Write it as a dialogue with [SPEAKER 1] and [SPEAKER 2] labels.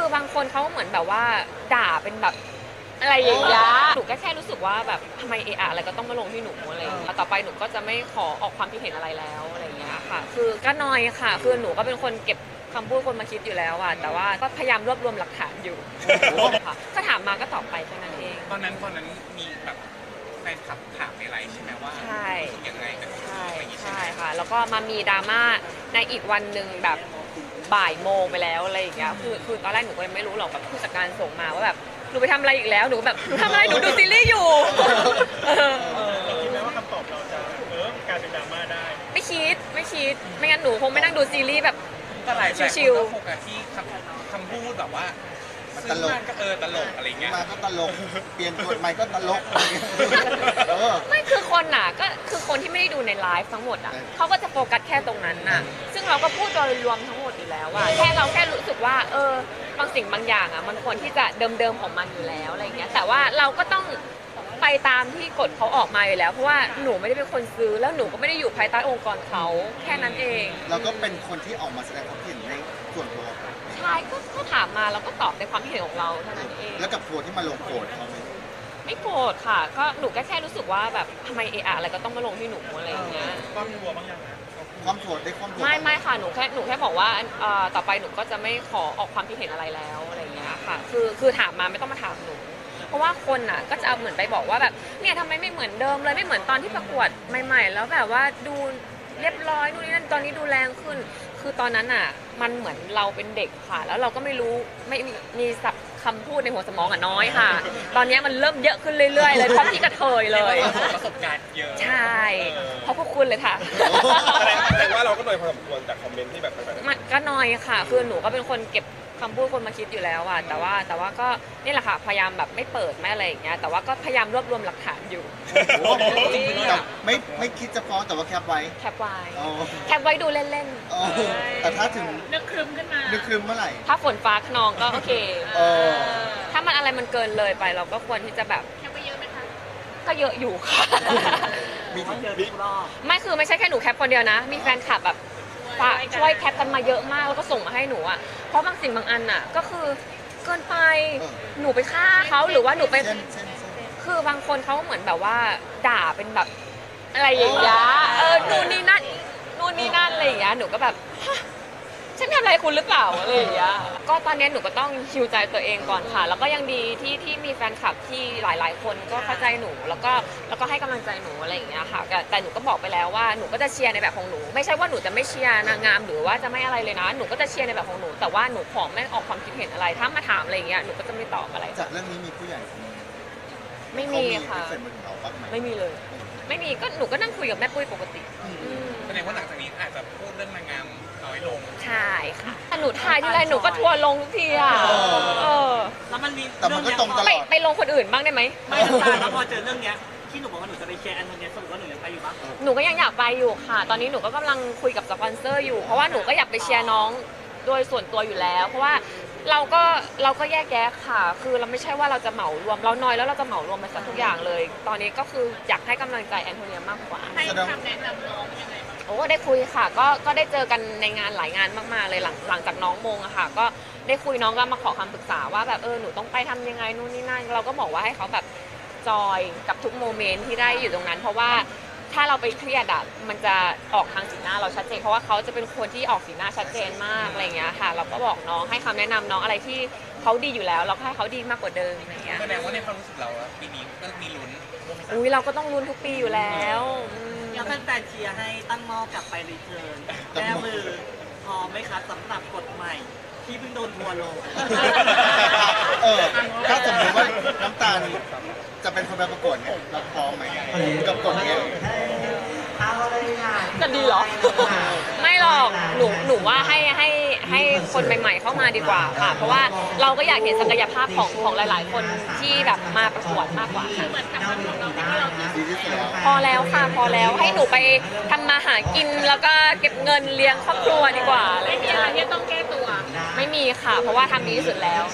[SPEAKER 1] บางคนเขาเหมือนแบบว่าด่าเป็นแบบอะไรอย่างเงี้ยหนูก็แค่รู้สึกว่าแบบทำไมเอะอะอะไรก็ต้องมาลงที่หนูอะไรอย่างเงี้ยต่อไปหนูก็จะไม่ขอออกความคิดเห็นอะไรแล้วอะไรอย่างเงี้ยค่ะคือก็น้อยค่ะคือหนูก็เป็นคนเก็บคำพูดคนมาคิดอยู่แล้วอะแต่ว่าก็พยายามรวบรวมหลักฐานอยู่ค่ะก็ถามมาก็ตอบไปแค่นั้นเอง
[SPEAKER 2] ตอนนั้นมีแบบแฟนคลับถามในไลน์ใช่ไหมว่า
[SPEAKER 1] ใช่
[SPEAKER 2] รู้สึกยังไงกับ
[SPEAKER 1] ใช่
[SPEAKER 2] อะไรอย่างงี้ใช่ไหม
[SPEAKER 1] ค่ะแล้วก็มามีดราม่าในอีกวันหนึ่งแบบบ่ายโมงไปแล้วอะไรอย่างเงี้ยคือตอนแรกหนูก็ยังไม่รู้หรอกแบบผู้จัดการส่งมาว่าแบบหนูไปทำอะไรอีกแล้วหนูแบบหนูทำอะไรหนูดูซีรีส์อยู่
[SPEAKER 3] เราคิดไหมว่าคำตอบเราจะกลายเป็นดราม่าได้
[SPEAKER 1] ไม่คิดไม่งั้นหนูคงไม่นั่งดูซีรีส์แบบ
[SPEAKER 2] แต่หลายคน
[SPEAKER 1] ชิล
[SPEAKER 2] ก็โฟกัสที่คำพูดแบบว่า
[SPEAKER 4] ตลก
[SPEAKER 2] ก็ตลกอะไรเงี้ย
[SPEAKER 4] มาก็ตลกเปลี่ยนกฎใหม่ก็ตลก
[SPEAKER 1] ไม่คือคนน่ะก็คือคนที่ไม่ได้ดูในไลฟ์ทั้งหมดอ่ะเขาก็จะโฟกัสแค่ตรงนั้นน่ะซึ่งเราก็พูดโดยรวมทั้งหมดอยู่แล้วว่าเราแค่รู้สึกว่าบางสิ่งบางอย่างอ่ะมันควรที่จะเดิมของมันอยู่แล้วอะไรเงี้ยแต่ว่าเราก็ต้องไปตามที่กฎเขาออกมาอยู่แล้วเพราะว่าหนูไม่ได้เป็นคนซื้อแล้วหนูก็ไม่ได้อยู่ภายใต้องค์กรเขาแค่นั้นเอง
[SPEAKER 4] เราก็เป็นคนที่ออกมาแสดงความเห็นในส่วนตัว
[SPEAKER 1] ใช่ก็ถามมาแล้วก็ตอบในความคิดเห็นของเราเท่านั้นเอง
[SPEAKER 4] แล้วกับทัวร์ที่มาลงโกรธเขาไหม
[SPEAKER 1] ไม่โกรธค่ะก็หนูก็แค่รู้สึกว่าแบบทำไมเอะอะอะไรก็ต้องมาลงที่หนูอะไรอย่างเงี้ย
[SPEAKER 3] ความทัวร์บ้างยัง
[SPEAKER 4] ความโกรธได้ความโกรธ
[SPEAKER 1] ไม่ค่ะหนูแค่บอกว่าต่อไปหนูก็จะไม่ขอออกความคิดเห็นอะไรแล้วอะไรอย่างเงี้ยค่ะคือถามมาไม่ต้องมาถามหนูเพราะว่าคนน่ะก็จะเอาเหมือนไปบอกว่าแบบเนี่ยทำไมไม่เหมือนเดิมเลยไม่เหมือนตอนที่ประกวดใหม่ๆแล้วแบบว่าดูเรียบร้อยนู่นนี่นั่นตอนนี้ดูแรงขึ้นคือตอนนั้นอ่ะมันเหมือนเราเป็นเด็กค่ะแล้วเราก็ไม่รู้ไม่มีศัพท์คำพูดในหัวสมองอ่ะน้อยค่ะตอนนี้มันเริ่มเยอะขึ้นเรื่อยๆเลยเพราะพี่กระเทยเลย
[SPEAKER 2] ประสบการณ์เยอะ
[SPEAKER 1] ใช่เพราะพวกคุณเลยค่ะ
[SPEAKER 3] แสดงว่าเราก็โดยพอสมควรจากคอมเมนต์ที่แบบ
[SPEAKER 1] มันก็น้อยค่ะคือหนูก็เป็นคนเก็บคำพูดคนมาคิดอยู่แล้วอะแต่ว่าก็นี่แหละค่ะพยายามแบบไม่เปิดไม่อะไรอย่างเงี้ยแต่ว่าก็พยายามรวบรวมหลักฐานอยู่
[SPEAKER 4] ไม่คิดจะฟ้องแต่ว่าแคปไว้
[SPEAKER 1] แคปไว้ดูเล่น
[SPEAKER 4] ๆแต่ถ้าถึง
[SPEAKER 1] นึกครึมขึ้นมา
[SPEAKER 4] นึกครึมเมื่อไหร่
[SPEAKER 1] ถ้าฝนฟ้าขนองก็โอเคถ้ามันอะไรมันเกินเลยไปเราก็ควรที่จะแบบแคปไปเยอะไหมคะก็เยอะอยู่ค่ะไม่คือไม่ใช่แค่หนูแคปคนเดียวนะมีแฟนคลับแบบช่วยแคปกันมาเยอะมากแล้วก็ส่งมาให้หนูอ่ะเพราะบางสิ่งบางอันอ่ะก็คือเกินไปหนูไปฆ่าเขาหรือว่าหนูไปคือบางคนเขาเหมือนแบบว่าด่าเป็นแบบอะไรอย่างเงี้ยนู่นนี่นั่นอะไรอย่างเงี้ยหนูก็แบบฉันทำอะไรคุณหรือเปล่าอะไรอย่างเงี้ยก็ตอนนี้หนูก็ต้องฮิวใจตัวเองก่อนค่ะแล้วก็ยังดีที่มีแฟนคลับที่หลายๆคนก็เข้าใจหนูแล้วก็ให้กำลังใจหนูอะไรอย่างเงี้ยค่ะแต่หนูก็บอกไปแล้วว่าหนูก็จะเชียร์ในแบบของหนูไม่ใช่ว่าหนูจะไม่เชียร์นางงามหรือว่าจะไม่อะไรเลยนะหนูก็จะเชียร์ในแบบของหนูแต่ว่าหนูขอไม่ออกความคิดเห็นอะไรถ้ามาถามอะไรอย่างเงี้ยหนูก็จะไม่ตอบอะไร
[SPEAKER 4] จากเรื่องนี้มีผู้ใหญ่
[SPEAKER 1] ไม่มีค่ะไม่มีเลยไม่มีก็หนูก็นั่งคุยกับแม่ปุ้ยปกติ
[SPEAKER 2] แสดงว่าหลังจากนี้อาจจะพูดเรื่องนางงามน้อยลง
[SPEAKER 1] ใช่ค่ะหนูถ่ายที่ไรหนูก็ทัวร์ลงทุกทีอ่ะ
[SPEAKER 5] แล้วมันมี
[SPEAKER 4] แต่มันก็ตรงตลอด
[SPEAKER 1] ไปลงคนอื่นบ้างได้ไหม
[SPEAKER 5] ไม่แล้วพอเจอเรื่องเนี้ยที่หนูบอกว่าหนูจะไปเชียร์แอนโทเนียสรุปว่าหนูยังไปอยู่ปะ
[SPEAKER 1] หนูก็ยังอยากไปอยู่ค่ะตอนนี้หนูก็กำลังคุยกับสปอนเซอร์อยู่เพราะว่าหนูก็อยากไปเชียร์น้องโดยส่วนตัวอยู่แล้วเพราะว่าเราก็แยกแยะค่ะคือเราไม่ใช่ว่าเราจะเหมารวมเราน้อยแล้วเราจะเหมารวมไปซะทุกอย่างเลยตอนนี้ก็คืออยากให้กำลังใจแอนโทเนียมากกว่า
[SPEAKER 4] ให้คำแนะนำน้อง
[SPEAKER 1] ยังไงโอ้ได้คุยค่ะก็ได้เจอกันในงานหลายงานมากๆเลยหลังจากน้องมงอะค่ะก็ได้คุยน้องก็มาขอคำปรึกษาว่าแบบหนูต้องไปทำยังไงนู่นนี่นั่นเราก็บอกว่าให้เขาแบบจอยกับทุกโมเมนต์ที่ได้อยู่ตรงนั้นเพราะว่าถ้าเราไปเครียดอะมันจะออกทางสีหน้าเราชัดเจนเพราะว่าเขาจะเป็นคนที่ออกสีหน้าชัดเจนมากอะไรเงี้ยค่ะเราก็บอกน้องให้คำแนะนำน้องอะไรที่เขาดีอยู่แล้วเราก็ให้เขาดีมากกว่าเดิมอะไรเงี้ย
[SPEAKER 2] แสดงว่าในความรู้สึกเราปีนี้ก็มีลุ้น
[SPEAKER 1] อุ้ยเราก็ต้องลุ้นทุกปีอยู่แล้ว
[SPEAKER 5] แล้วแฟนเชียร์ให้ตั้งหม้อกลับไปรีเทิร์นแก้มือพอไหมคะสำหรับกฎใหม่ที่เพิ่งโดนทัวร์ลง
[SPEAKER 4] ถ้าสมมติว่าน้ำตาลจะเป็นคนไปประกวดเนี่ยเราพร้อมไหมกับกฎเนี้ย
[SPEAKER 1] จะดีเหรอไม่หรอกหนูว่าให้คนใหม่ๆเข้ามาดีกว่าค่ะเพราะว่าเราก็อยากเห็นศักยภาพของหลายๆคนที่แบบมาประกวดมากกว่าค่ะพอแล้วค่ะพอแล้วให้หนูไปทำมาหากินแล้วก็เก็บเงินเลี้ยงครอบครัวดีกว่าไม่มีอะไรที่ต้องแก้ตัวไม่มีค่ะเพราะว่าทำดีที่สุดแล้ว